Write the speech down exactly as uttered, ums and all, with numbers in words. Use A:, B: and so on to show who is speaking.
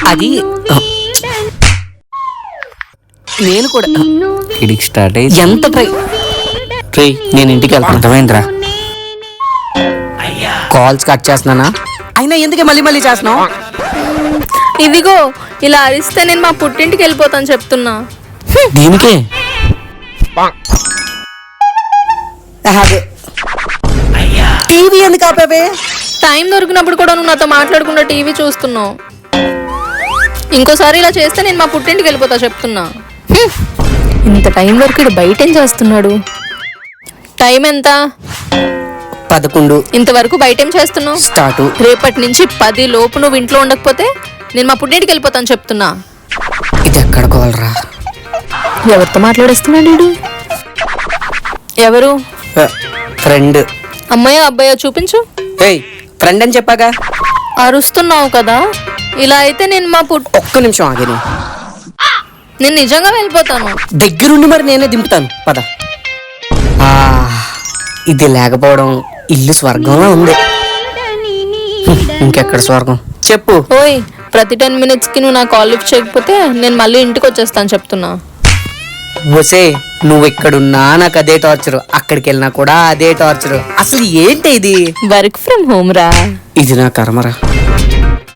A: అది నేను కూడా
B: ఇడికి స్టార్ట్ అయ్యి
A: ఎంత ట్రై
B: ట్రై నేను ఇంటికి వెళ్తాను. అర్థమైందిరా?
A: కాల్స్ కట్ చేస్తున్నానా? అయినా ఎందుకే మళ్ళీ మళ్ళీ చేస్తున్నావు?
C: ఇదిగో ఇలా అరిస్తే నేను మా పుట్టింటికి వెళ్ళిపోతాను చెప్తున్నా.
B: దీనికే
A: అదే టీవీ ఎందుకు ఆపావే?
C: టైం దొరికినప్పుడు కూడా నువ్వు నాతో మాట్లాడకుండా టీవీ చూస్తున్నావు. ఇంకోసారి ఇలా చేస్తే నేను మా పుట్టింటికి వెళ్ళిపోతా చెప్తున్నా. హ్మ్. ఇంత టైం వరకు ఇడు బయట ఏం చేస్తున్నాడు? టైం ఎంత?
A: పదకొండు.
C: ఇంతవరకు బయట ఏం చేస్తున్నావు?
A: స్టార్ట్.
C: రేపటి నుంచి పది లోపు నువ్వు ఇంట్లో ఉండకపోతే నేను మా పుట్టింటికి వెళ్ళిపోతాను చెప్తున్నా.
A: ఇది ఎక్కడ కోలరా?
C: ఎవరితో మాట్లాడేస్తున్నాడు వీడు? ఎవరు?
A: ఫ్రెండ్.
C: అమ్మాయో అబ్బాయో చూపించు.
A: ఏయ్ ఫ్రెండ్ అని చెప్పాగా.
C: అరుస్తున్నావు కదా, ఇలా అయితే నేను మా పుట్
A: ఒక్క నిమిషం ఆగిని.
C: నేను నిజంగా వెళ్ళిపోతాను.
A: దగ్గరుండి మరి నేనే దింపుతాను పద. ఆ, ఇది లేకపోవడం ఇల్లు స్వర్గంలో ఉంది. ఇంకెక్కడ స్వర్గం చెప్పు.
C: ఓయ్, ప్రతి టెన్ మినిట్స్ కి నువ్వు నా కాల్ లిఫ్ట్ చేయకపోతే నేను మళ్ళీ ఇంటికి వచ్చేస్తాను చెప్తున్నా.
A: వసే నువ్వు ఇక్కడున్నా నాకు అదే టార్చర్, అక్కడికి వెళ్ళినా కూడా అదే టార్చర్. అసలు ఏంటి ఇది?
C: వర్క్ ఫ్రమ్ హోమ్ రా.
A: ఇది నా కర్మరా.